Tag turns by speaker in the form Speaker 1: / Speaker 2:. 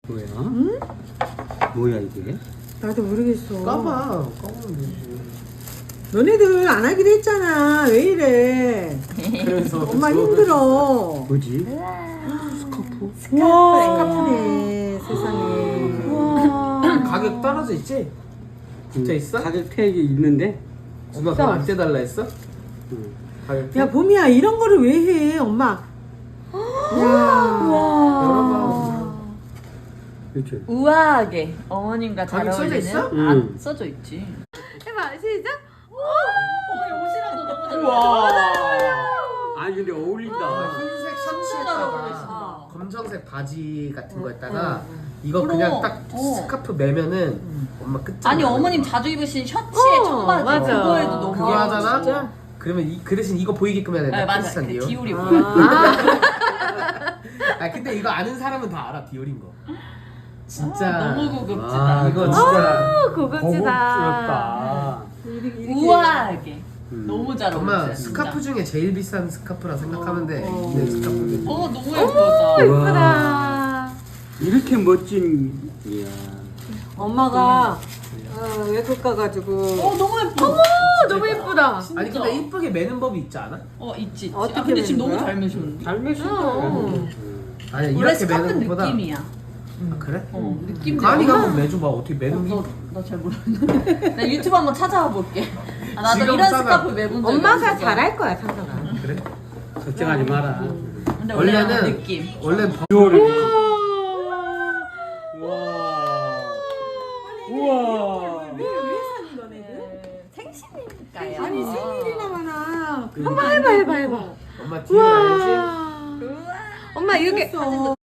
Speaker 1: 뭐야?
Speaker 2: 응?
Speaker 1: 뭐야 이게?
Speaker 2: 나도 모르겠어.
Speaker 3: 까보면 되지.
Speaker 2: 너네들 안 하기로 했잖아. 왜 이래?
Speaker 3: 그래서
Speaker 2: 엄마 힘들어.
Speaker 1: 뭐지?
Speaker 2: 스카프?
Speaker 1: 스카프.
Speaker 2: 와, 스카프네. 세상에.
Speaker 4: 우와.
Speaker 3: 가격 떨어져 있지? 진짜 있어?
Speaker 1: 가격 태액이 있는데?
Speaker 3: 엄마 그거 안 떼달라 했어?
Speaker 1: 응.
Speaker 3: 가격
Speaker 2: 야, 봄이야, 이런 거를 왜 해, 엄마? 야.
Speaker 3: 열어봐.
Speaker 1: 그렇죠.
Speaker 4: 우아하게 어머님과 잘
Speaker 3: 가격 써져
Speaker 4: 어울리는.
Speaker 3: 있어?
Speaker 1: 응.
Speaker 4: 써져 있지.
Speaker 2: 해봐, 시작.
Speaker 4: 어머니 옷이랑도 너무 잘
Speaker 3: 우와.
Speaker 1: 아니 근데 어울린다.
Speaker 3: 흰색
Speaker 4: 잘
Speaker 3: 셔츠에다가
Speaker 4: 어울리신다.
Speaker 3: 검정색 바지 같은 거에다가 이거
Speaker 4: 그럼,
Speaker 3: 그냥 딱
Speaker 4: 어.
Speaker 3: 스카프 매면은 엄마 끝장.
Speaker 4: 아니
Speaker 3: 나는
Speaker 4: 어머님
Speaker 3: 거야.
Speaker 4: 자주 입으신 셔츠에 청바지
Speaker 2: 맞아.
Speaker 4: 그거에도 너무
Speaker 3: 그거 하잖아?
Speaker 4: 진짜.
Speaker 3: 그러면 그 대신 이거 보이게끔 해야 된다.
Speaker 4: 네, 맞아.
Speaker 3: 크리스찬
Speaker 4: 그
Speaker 3: 디올.
Speaker 4: 디올이 보여.
Speaker 3: 아 근데 이거 아는 사람은 다 알아 디올인 거. 진짜
Speaker 4: 너무 고급지다.
Speaker 1: 아,
Speaker 3: 이거
Speaker 1: 너무
Speaker 3: 진짜
Speaker 1: 고급스럽다.
Speaker 4: 우아하게.
Speaker 1: 음.
Speaker 4: 너무 잘
Speaker 3: 엄마
Speaker 4: 어울리세요.
Speaker 3: 스카프 중에 제일 비싼 스카프라 생각하면 돼. 근데 스카프는
Speaker 4: 너무 예쁘다.
Speaker 2: 예쁘다.
Speaker 1: 이렇게 멋진 이야.
Speaker 2: 엄마가 외국 가가지고.
Speaker 4: 너무 예뻐.
Speaker 2: 너무 예쁘다.
Speaker 3: 아니 근데 이쁘게 매는 법이 있지 않아?
Speaker 4: 있지.
Speaker 2: 어떻게
Speaker 4: 아, 근데 지금
Speaker 2: 매는
Speaker 4: 너무
Speaker 2: 거야?
Speaker 4: 잘 매셨는데.
Speaker 1: 잘 매신다.
Speaker 3: 아니
Speaker 4: 원래
Speaker 3: 이렇게
Speaker 4: 스카프
Speaker 3: 매는 것보다
Speaker 4: 느낌이야.
Speaker 3: 아, 그래?
Speaker 4: 느낌.
Speaker 3: 가은이가 한번 매줘봐 어떻게 매는 게
Speaker 4: 나잘 모르는데. 나 유튜브 한번 찾아와 볼게. 아, 나도
Speaker 3: 지금
Speaker 4: 이런
Speaker 3: 싸다.
Speaker 4: 스카프 매본 적
Speaker 2: 엄마가
Speaker 4: 없어.
Speaker 2: 잘할 거야, 상상아.
Speaker 3: 그래?
Speaker 1: 걱정하지 마라.
Speaker 4: 근데 원래는
Speaker 3: 원래는
Speaker 4: 느낌.
Speaker 3: 원래
Speaker 1: 디올을. 우와.
Speaker 2: 왜 사는 너네들?
Speaker 4: 생신이니까요.
Speaker 2: 아니, 생일이나 많아.
Speaker 1: 그러니까.
Speaker 2: 한번 해봐.
Speaker 3: 엄마 디올 알지?
Speaker 4: 우와.
Speaker 2: 엄마, 이렇게.